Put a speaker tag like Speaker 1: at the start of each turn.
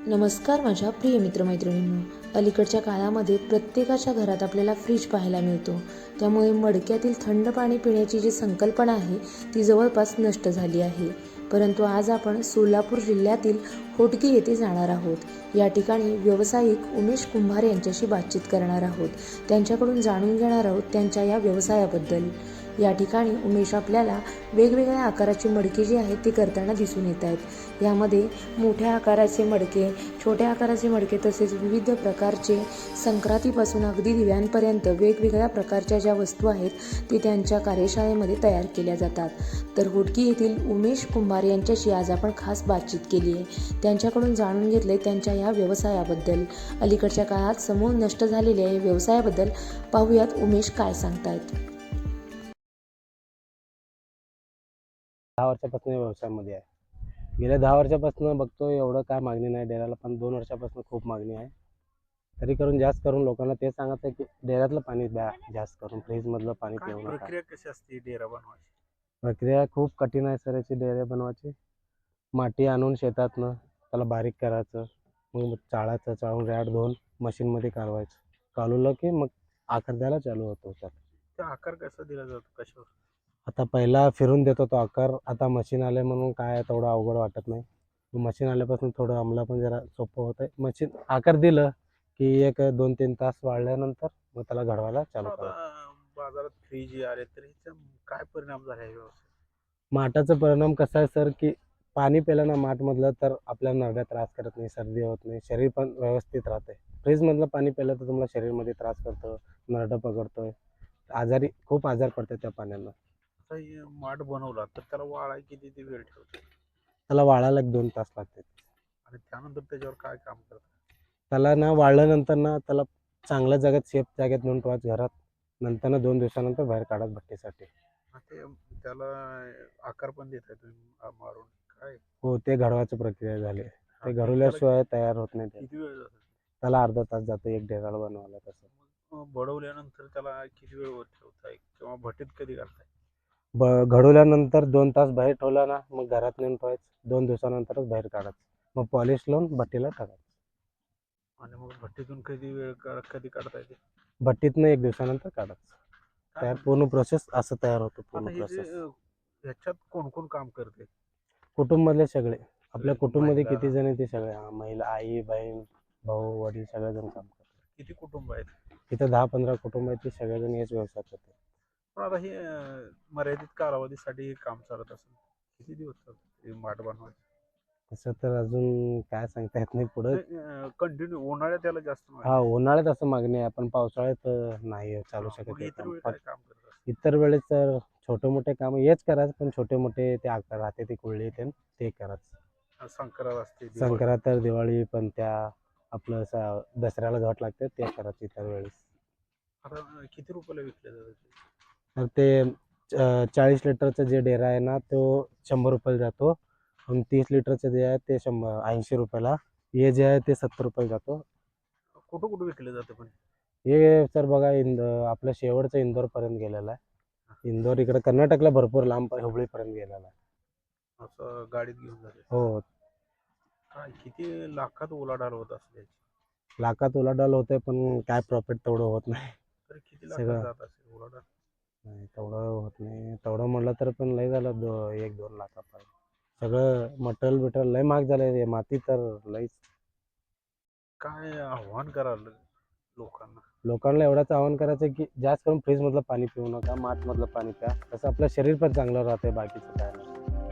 Speaker 1: नमस्कार माझ्या प्रिय मित्रमैत्रिणींनो. अलीकडच्या काळामध्ये प्रत्येकाच्या घरात आपल्याला फ्रीज पाहायला मिळतो. त्यामुळे मडक्यातील थंड पाणी पिण्याची जी संकल्पना आहे ती जवळपास नष्ट झाली आहे. परंतु आज आपण सोलापूर जिल्ह्यातील होटगी येथे जाणार आहोत. या ठिकाणी व्यावसायिक उमेश कुंभार यांच्याशी बातचीत करणार आहोत. त्यांच्याकडून जाणून घेणार आहोत त्यांच्या या व्यवसायाबद्दल. या ठिकाणी उमेश आपल्याला वेगवेगळ्या आकाराची मडके जी आहेत ती करताना दिसून येत आहेत. यामध्ये मोठ्या आकाराचे मडके, छोट्या आकाराचे मडके तसेच विविध प्रकारचे संक्रांतीपासून अगदी दिव्यांपर्यंत वेगवेगळ्या प्रकारच्या ज्या वस्तू आहेत ते त्यांच्या कार्यशाळेमध्ये तयार केल्या जातात. तर होटगी येथील उमेश कुंभार यांच्याशी आज आपण खास बातचीत केली आहे. त्यांच्याकडून जाणून घेतले त्यांच्या या व्यवसायाबद्दल. अलीकडच्या काळात समूळ नष्ट झालेल्या या व्यवसायाबद्दल पाहूयात उमेश काय सांगतायत.
Speaker 2: 10 वर्षापासून या व्यवसायामध्ये आहे. गेल्या 10 वर्षापासून बघतो एवढं काय मागणी नाही डेऱ्याला, पण 2 वर्षापासून खूप मागणी आहे. तरी जास्त करून लोकांना ते सांगत आहे की डेऱ्यातलं पाणी द्या जास्त करून, फ्रीजमधलं पाणी पिऊ नका.
Speaker 3: प्रक्रिया कशी असते डेरा बनवायची?
Speaker 2: प्रक्रिया खूप कठीण आहे सर याची डेरे बनवायची. माती आणून शेतातनं त्याला बारीक करायचं, मग चाळायचं, चाळून रॅड धुवून मशीनमध्ये कालवायचं. कालवलं की मग आकार द्यायला चालू होतो त्यात.
Speaker 3: त्या आकार कसा दिला जातो, कशावर?
Speaker 2: आता पहिला फिरून देत होतो आकार, आता मशीन आले म्हणून काय तेवढं अवघड वाटत नाही. मशीन आल्यापासून थोडं आम्हाला पण जरा सोपं होत आहे. मशीन आकार दिलं की 1-2-3 तास वाळल्यानंतर मग त्याला घडवायला चालू
Speaker 3: आता
Speaker 2: करायचं.
Speaker 3: बाजारात फ्रीज आले तर ह्याचा काय परिणाम झाला आहे व्यवसाय?
Speaker 2: माठाचा परिणाम कसा आहे सर की पाणी प्यायलं ना माठमधलं तर आपल्या नरड्या त्रास करत नाही, सर्दी होत नाही, शरीर पण व्यवस्थित राहते. फ्रीजमधलं पाणी प्यायलं तर तुम्हाला शरीरमध्ये त्रास करतं, नरडं पकडतोय, खूप आजार पडतात त्या पाण्यानं.
Speaker 3: आता हे माठ बनवला तर त्याला वाळाय किती वेळ ठेवतो
Speaker 2: त्याला वाळायला 1-2 तास लागते.
Speaker 3: आणि त्यानंतर त्याच्यावर काय काम करतात?
Speaker 2: त्याला ना वाळल्यानंतर ना त्याला चांगल्या जागेत सेफ जागेत नेऊन ठेवायचं घरात. नंतर ना 2 दिवसानंतर बाहेर काढत भट्टीसाठी.
Speaker 3: ते त्याला आकार पण देताय तुम्ही मारून काय?
Speaker 2: हो, ते घडवायची प्रक्रिया झाली. ते
Speaker 3: त्याला
Speaker 2: घडवल्याशिवाय तयार होत नाही ते.
Speaker 3: किती वेळ जातो?
Speaker 2: त्याला अर्धा तास जातो एक डेराला बनवायला तसं.
Speaker 3: बडवल्यानंतर त्याला किती वेळ वर ठेवताय किंवा भट्टीत कधी घालताय?
Speaker 2: घडवल्यानंतर 2 तास बाहेर ठेवला ना मग घरात नेऊन ठेवायचं. 2 दिवसानंतरच बाहेर काढायचं. मग पॉलिश लावून भट्टीला टाकायचं.
Speaker 3: आणि मग भट्टीतून कधी काढता येते?
Speaker 2: भट्टीतनं 1 दिवसानंतर काढायचं. तयार पूर्ण प्रोसेस असं तयार होतो
Speaker 3: आता
Speaker 2: पूर्ण
Speaker 3: हे जे
Speaker 2: प्रोसेस.
Speaker 3: ह्याच्यात कोण कोण काम करते?
Speaker 2: कुटुंबातले सगळे. आपल्या कुटुंबामध्ये
Speaker 3: महिला?
Speaker 2: किती जण आहे ते सगळे, महिला, आई, बहीण, भाऊ, वडील सगळेजण काम करतात.
Speaker 3: किती कुटुंब आहेत?
Speaker 2: इथं 10-15 कुटुंब आहेत, ते सगळेजण हेच व्यवसाय करतात.
Speaker 3: पण आता हे मर्यादित कालावधीसाठी हे काम चालत असेल. किती दिवस चालतं हे माठ बनवायचं?
Speaker 2: तसं तर अजून काय सांगता येत नाही पुढं.
Speaker 3: कंटिन्यू उन्हाळ्यात त्याला जास्त
Speaker 2: हा,
Speaker 3: मागणी
Speaker 2: उन्हाळ्यात असं मागणी आहे, पण पावसाळ्यात नाही चालू
Speaker 3: आहे.
Speaker 2: शकत
Speaker 3: मग
Speaker 2: हे
Speaker 3: इतर
Speaker 2: काम.
Speaker 3: वेळी
Speaker 2: फक्त
Speaker 3: काय काम करत असतात?
Speaker 2: इतर वेळेस तर छोटे मोठे काम हेच करायचं, पण छोटे मोठे ते आकार राहते ते कुळले ते करायचं.
Speaker 3: संक्रांत असते, दिवाळी.
Speaker 2: संक्रांत, दिवाळी, पण त्या आपलं दसऱ्याला घट लागते ते करायचं इतर वेळेस.
Speaker 3: आता किती रुपयाला विकले जातात?
Speaker 2: तर ते 40 लिटरचा जे डेरा आहे ना तो 100 रुपयाला जातो, आणि 30 लिटरचं जे आहे ते 80 रुपयाला. हे जे आहे ते 70 रुपयाला जातो.
Speaker 3: कुठं कुठं विकले जाते पण?
Speaker 2: हे सर बघा आपलं शेवटचं इंदोरपर्यंत गेलेलं आहे. इंदोर इकडे कर्नाटकला भरपूर लांब हुबळीपर्यंत गेलेला आहे.
Speaker 3: असं गाडीत घेऊन जाते?
Speaker 2: हो,
Speaker 3: काय किती लाखात उलाढाल होत असते?
Speaker 2: लाखात उलाढाल होते, पण काय प्रॉफिट तेवढं होत नाही.
Speaker 3: तर किती लाखात
Speaker 2: सगळं
Speaker 3: जात असेल उलाढाल?
Speaker 2: नाही तेवढं होत नाही. तेवढं म्हणलं तर पण लय झालं, 1-2 लाखापर्यंत. सगळं मटेरियल लय महाग झालंय, माती तर लयच.
Speaker 3: काय आव्हान कराल लोकांना?
Speaker 2: लोकांना एवढंच आवाहन करायचं की जास्त करून फ्रीजमधलं पाणी पिऊ नका, माठमधलं पाणी प्या. तसं आपलं शरीर पण चांगलं राहतंय, बाकीचं काय नाही.